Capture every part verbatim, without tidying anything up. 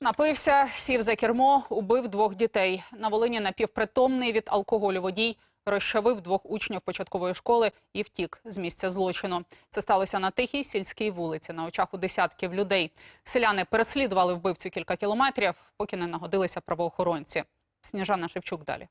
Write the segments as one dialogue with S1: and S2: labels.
S1: Напився, сів за кермо, убив двох дітей. На Волині напівпритомний від алкоголю водій розчавив двох учнів початкової школи і втік з місця злочину. Це сталося на Тихій сільській вулиці, на очах у десятків людей. Селяни переслідували вбивцю кілька кілометрів, поки не нагодилися правоохоронці. Сніжана Шевчук далі.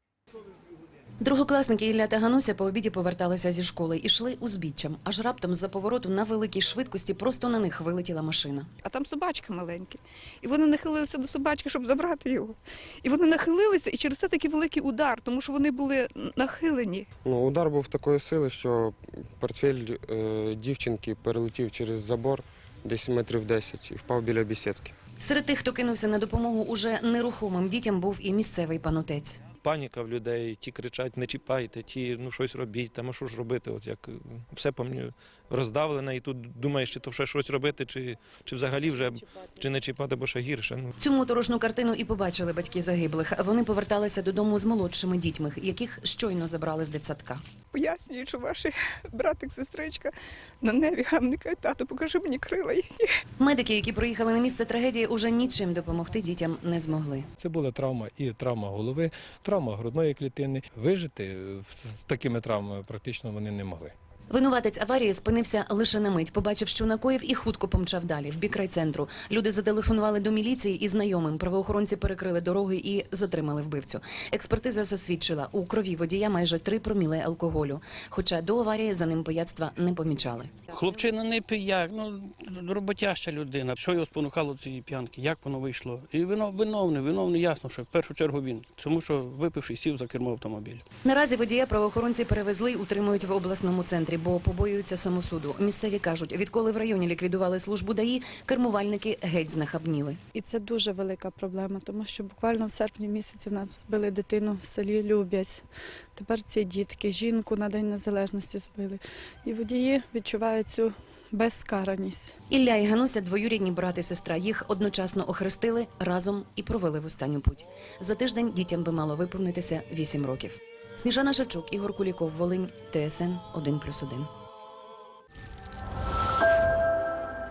S2: Другокласники Ілля та Гануся по обіді поверталися зі школи. Ішли узбіччям. Аж раптом з-за повороту на великій швидкості просто на них вилетіла машина.
S3: А там собачка маленька. І вони нахилилися до собачки, щоб забрати його. І вони нахилилися, і через це такий великий удар, тому що вони були нахилені.
S4: Ну, удар був такої сили, що портфель е, дівчинки перелетів через забор десь метрів десять і впав біля бесідки.
S2: Серед тих, хто кинувся на допомогу уже нерухомим дітям, був і місцевий панотець.
S5: Паніка в людей, ті кричать, не чіпайте, ті, ну щось робіть, там, а що ж робити, от як все пам'ятаю, роздавлене, і тут думаєш, чи то ще щось робити, чи, чи взагалі вже, чи не чіпати, бо ще гірше. Ну.
S2: Цю моторошну картину і побачили батьки загиблих. Вони поверталися додому з молодшими дітьми, яких щойно забрали з дитсадка.
S3: Пояснюють, що ваш братик, сестричка на небі, а вони кажуть, тату, покажи мені крила їхні.
S2: Медики, які приїхали на місце трагедії, уже нічим допомогти дітям не змогли.
S6: Це була травма і травма голови, травма грудної клітини. Вижити з такими травмами практично вони не могли.
S2: Винуватець аварії спинився лише на мить, побачив, що накоїв, і хутко помчав далі, в бік райцентру. Люди зателефонували до міліції і знайомим. Правоохоронці перекрили дороги і затримали вбивцю. Експертиза засвідчила, у крові водія майже три проміле алкоголю. Хоча до аварії за ним пияцтва не помічали.
S7: Хлопчина не пияк, ну, роботяща людина. Що його спонукало цієї п'янки, як воно вийшло? І виновний, виновний, ясно, що в першу чергу він. Тому що випивши сів за кермо автомобіля.
S2: Наразі водія правоохоронці перевезли і утримують в обласному центрі, бо побоюються самосуду. Місцеві кажуть, відколи в районі ліквідували службу ДАІ, кермувальники геть знахабніли.
S8: І це дуже велика проблема, тому що буквально в серпні місяці в нас збили дитину в селі Любязь. Тепер ці дітки, жінку на День Незалежності збили. І водії відчувають цю безкараність.
S2: Ілля і Гануся – двоюрідні брат і сестра. Їх одночасно охрестили, разом і провели в останню путь. За тиждень дітям би мало виповнитися вісім років. Сніжана Шевчук, Ігор Куліков, Волинь, Т С Н один плюс один.